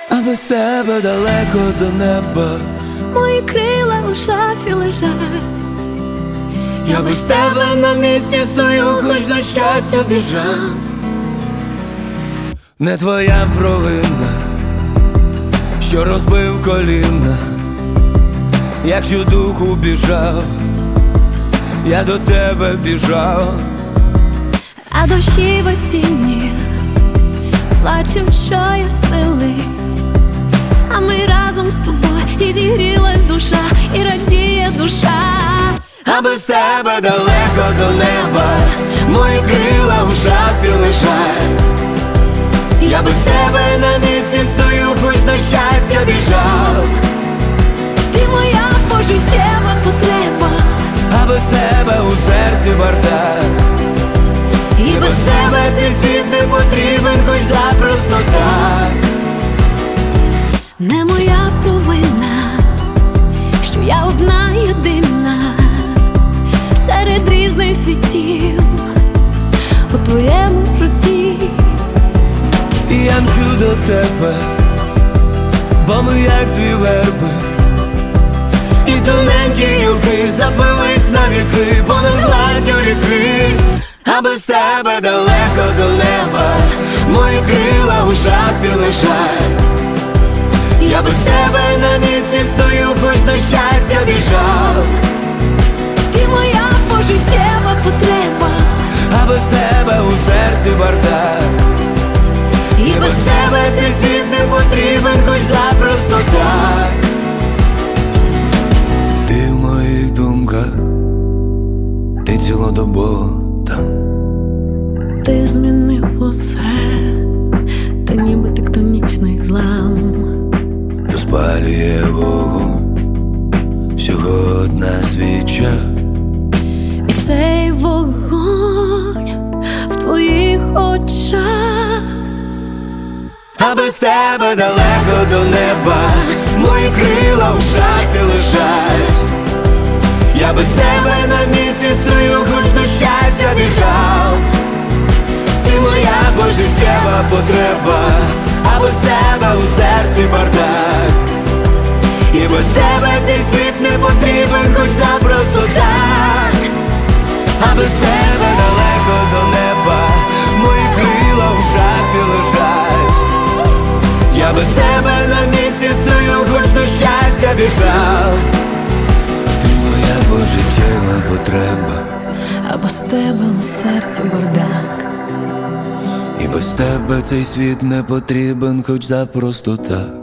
а без тебе далеко до неба. Мої крила у шафі лежать. Я без тебе на місці стою, хоч на щастя біжав. Не твоя провина, що розбив коліна, якщо духу біжав, я до тебе біжав. А дощі в осінні плачем, що є сили, а ми разом з тобою, і зігрілась душа, і радіє душа. А без тебе далеко до неба, мої крила в шафі лежать. Я без тебе на місці стою, хоч на щастя біжав. Ти моя пожиттєва потреба, А без тебе у серці бардак. І без тебе цей світ не потрібен, хоч запросто так. не моя провина, що я одна єдина серед різних світів у твоєму житті. І я мчу до тебе, бо ми як дві верби, і тоненькі гілки запились на віки понад гладдю ріки. А без тебе далеко до неба, мої крила у шафі лежать. Я без тебе на місці стою, хоч на щастя біжав. Ти моя пожиттєва потреба, А без тебе у серці бардак. І без тебе цей світ не потрібен, хоч запросто так. Ти в моїх думках, ти цілодобово там. ти змінив усе, ти ніби тектонічний злам. Розпалює вогонь всього одна свіча. І цей вогонь в твоїх очах. А без тебе далеко до неба, мої крила в шафі лежать. Я без тебе на місці стою, хоч до щастя біжав. Ти моя пожиттєва потреба, а без тебе у серці бардак. І без тебе цей світ не потрібен, хоч запросто так. А без тебе далеко до неба, мої крила в шафі лежать. Я без тебе на місці стою, хоч до щастя біжав. Ти моя пожиттєва потреба, А без тебе у серці бардак. і без тебе цей світ не потрібен, хоч запросто так.